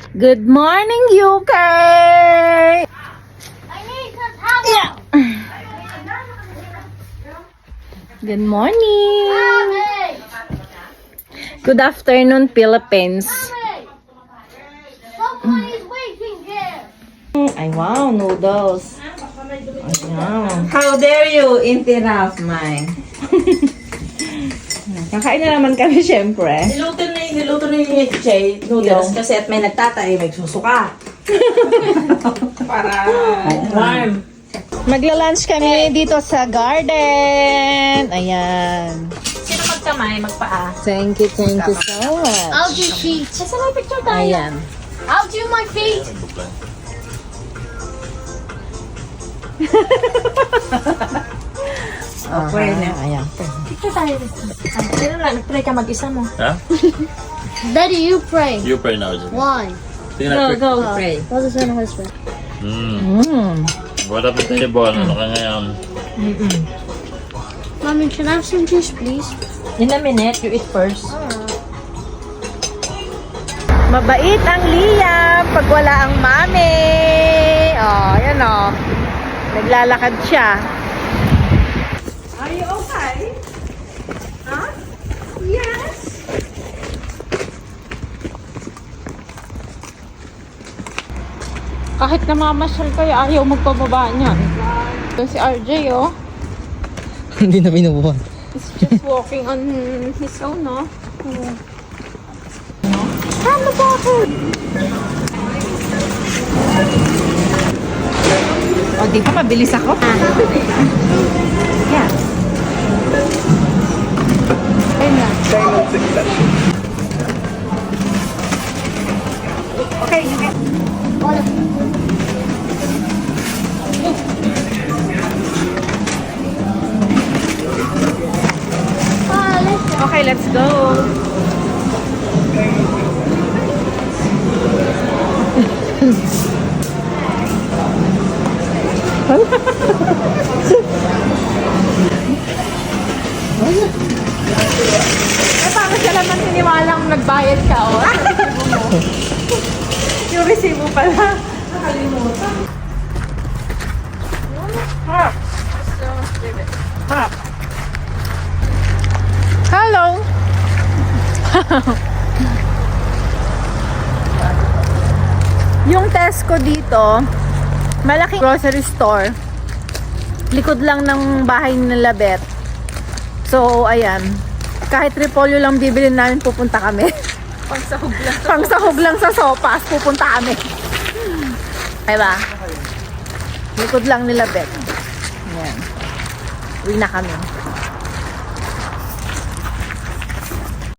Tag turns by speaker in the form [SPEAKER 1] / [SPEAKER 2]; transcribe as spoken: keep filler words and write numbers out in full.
[SPEAKER 1] Good morning, U K! Yeah. Good morning! Good afternoon, Philippines. Ay, wow, noodles. Ayan.
[SPEAKER 2] How dare you interrupt my...
[SPEAKER 1] Kakain na naman kami, syempre.
[SPEAKER 2] Niluto na yung niluto na yung Jay noodles kasi at may nagtatay, may susuka. Para warm.
[SPEAKER 1] Magla-lunch kami dito sa garden. Ayan.
[SPEAKER 2] Sino magkamay, magpaa?
[SPEAKER 1] Thank you, thank you so much.
[SPEAKER 3] I'll do feet.
[SPEAKER 2] Kasi may picture tayo.
[SPEAKER 1] Ayan.
[SPEAKER 3] I'll do my feet.
[SPEAKER 2] Okay na.
[SPEAKER 1] Ayan.
[SPEAKER 2] Picture tayo. Ay, sino lang, nag-pray ka mag-isa mo.
[SPEAKER 4] Huh?
[SPEAKER 3] Daddy, you pray.
[SPEAKER 4] You pray now, Jimmy.
[SPEAKER 3] Why?
[SPEAKER 4] Tingnan na quick.
[SPEAKER 2] go, pray.
[SPEAKER 3] What is in his prayer?
[SPEAKER 4] Mm.
[SPEAKER 1] Mm.
[SPEAKER 4] What up with the ball? Ano ka ngayon?
[SPEAKER 3] Mommy, can I have some juice, please?
[SPEAKER 2] In a minute, you eat first.
[SPEAKER 1] Mabait ang Liam pag wala ang mami. Oh, yan oh. Naglalakad siya.
[SPEAKER 2] Are you okay? Huh? Yes.
[SPEAKER 1] Kahit namamasyal kayo, ayaw magpababa niyan. Ito si R J, oh.
[SPEAKER 5] Hindi na binubuhan.
[SPEAKER 1] He's just walking on his own, no? Ano ba ako? O, di ba mabilis ako? Yeah. Ayun na. Okay, okay. Okay, let's go. Eh, paano siya naman siniwalang nagbayad ka, oh? Yung resibo pala. Nakalimutan. Ha! Ha! Hello! Yung Tesco dito, malaking grocery store. Likod lang ng bahay nila Bet. So, ayan. Kahit repolyo lang bibili namin, pupunta kami. Pangsahog lang. Pangsahog lang sa sopas, pupunta kami. Diba? Likod lang nila Bet. Ayan. Uwi na kami.